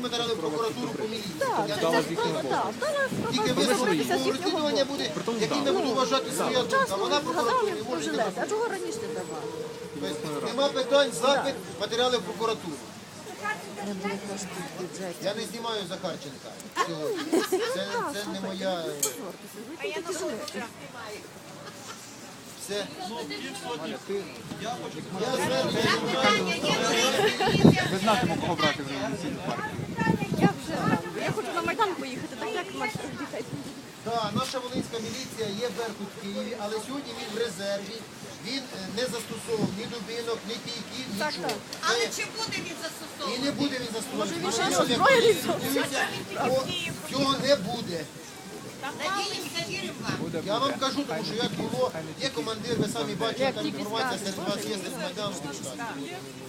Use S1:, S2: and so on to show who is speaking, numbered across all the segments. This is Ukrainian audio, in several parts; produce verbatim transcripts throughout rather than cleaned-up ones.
S1: матеріали в прокуратуру по міліції.
S2: Так,
S1: Я
S2: це
S1: не
S2: ж
S1: можу.
S2: так, так. Дала
S1: Тільки
S2: пропозицію
S1: висновку
S2: з їхнього
S1: розслідування
S2: боку.
S1: буде, який не буду вважати своя думка.
S2: Вчасно
S1: Вона прокуратурі
S2: згадали
S1: не
S2: про
S1: може
S2: жилет.
S1: не
S2: А чого раніше не давали?
S1: Тобто нема питань, запит, матеріали в прокуратуру.
S2: Не було коштів в бюджеті.
S1: Я не знімаю Захарченка. сьогодні. Це, це не моя...
S2: Ви тільки жилети.
S1: Все.
S3: Я хочу
S1: Я звернення.
S4: Ви знатимете, кого брати вже в міліційну партію.
S2: Я вже знаю. Я хочу на Майдан поїхати, так як наших дітей.
S1: Так, наша Волинська міліція є Беркут в Києві, але сьогодні він в резерві. Він е, не застосовував ні дубинок, ні кійків,
S2: Так,
S1: нічого.
S2: так.
S5: Але
S1: Це-
S5: чи буде він
S1: І
S5: застосовувати?
S1: не буде він застосовувати.
S2: він ще
S1: Нічого не
S2: озброєний
S1: буде.
S2: зовсім.
S1: Дивіться, о, цього не буде.
S5: Надіємося, віримо вам.
S4: Буде,
S1: Я вам
S4: буде.
S1: кажу, тому що як було, є командир, ви самі бачите, там інформація серед вас є з Майдану.
S6: Шановні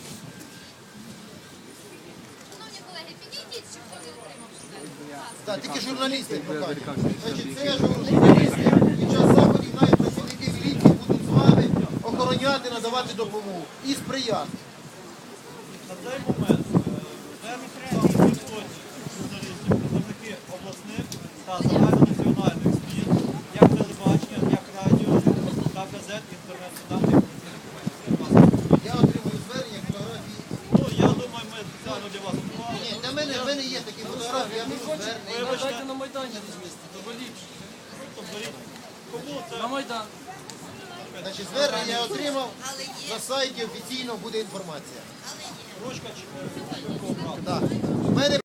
S6: колеги, підійдіть, щоб ви отримали.
S1: Так, тільки журналісти покажуть. Значить, це журналісти. Під час заходів навіть працівники міліції будуть з вами охороняти, надавати допомогу і сприяти.
S3: на цей момент журналістів, представники обласних та загальнонаціональних ЗМІ, як телебачення, як радіо та газет, інтернет-видання.
S1: Я отримую звернення, фотографії.
S3: Ну, я думаю, ми спеціально для вас готували.
S1: Ні, для мене, в мене є такі фотографії, я беру звернення.
S3: Вибачте,
S7: На Майдані розвести, то боліть.
S3: то беріть. Кому це?
S7: На Майдан.
S1: Значить, звернення я отримав, на сайті офіційно буде інформація.
S3: Ручка чи?
S1: Так. В мене